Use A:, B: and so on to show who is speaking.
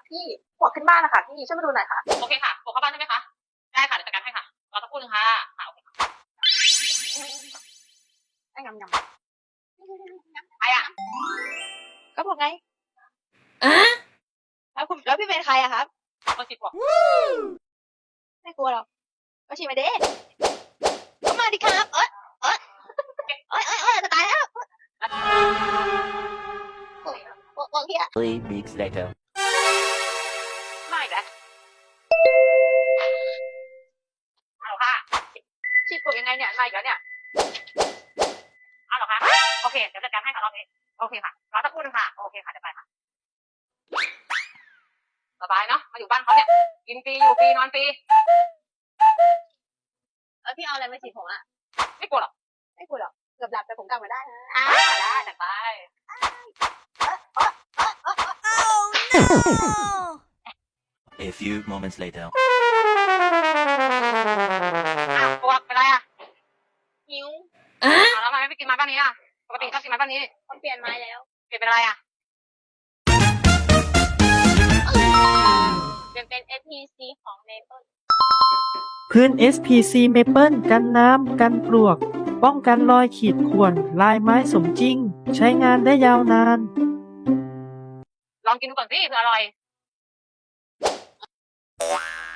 A: พี่ปวดขึ้นบ้านนะคะพี่ช่วยมาดูหน่อยค่ะ
B: โอเคค่ะปวดเข้าบ้านใช่ไหมคะได้ค่ะเดี๋ยวจัดการให้ค่ะรอสักครู่นึงค่ะโอเคค่ะ
A: ไอ้ยำ
B: ใครอ่ะ
A: ก็บอกไงแล้วพี่เป็นใครอะครับ
B: คนสิบกว่า
A: ไม่กลัวหรอกก็ชิมมาเด้ก็มาดิครับจะตายแล้วโอ้ยพี่อะ
C: 3 weeks later.
B: ไม่แล้วเอาค่ะ
A: ฉีดปวดยังไงเนี่ยมาอีกแล้วเนี่ย
B: เอาเหรอคะโอเคเดี๋ยวจัดการให้ค่ะรอบนี้โอเคค่ะรอสักครู่นึงค่ะโอเคค่ะเดี๋ยวไปค่ะสบายเนาะมาอยู่บ้านเขาเนี่ยกินฟรีอยู่ฟรีนอนฟรี
A: พี่เอาอะไรมาฉีดผมอะ
B: ไม่กลัวหรอก
A: ไม่กลัวหรอกเกือบหลับแต่ผมกลับมาได้นะ
B: ได้จัดไป
C: A few moments later.
B: อ้าวปวดเป็นไรอ่ะ
A: หิว
B: แล้วทำไมไม่กินไม้บ้านนี้อ่ะปกติชอบกินไม้บ้านนี้
A: ต้องเปลี่ยนไม้แล้ว
B: เปลี่ยนเป็นอะไรอ่ะ
A: เปลี่ยนเป็น SPC ของ Maple
D: พื้น SPC Maple กันน้ำ กันปลวก ป้องกันรอยขีดข่วนลายไม้สมจริง ใช้งานได้ยาวนาน
B: ลองกินดูก่อนสิเผื่ออร่อย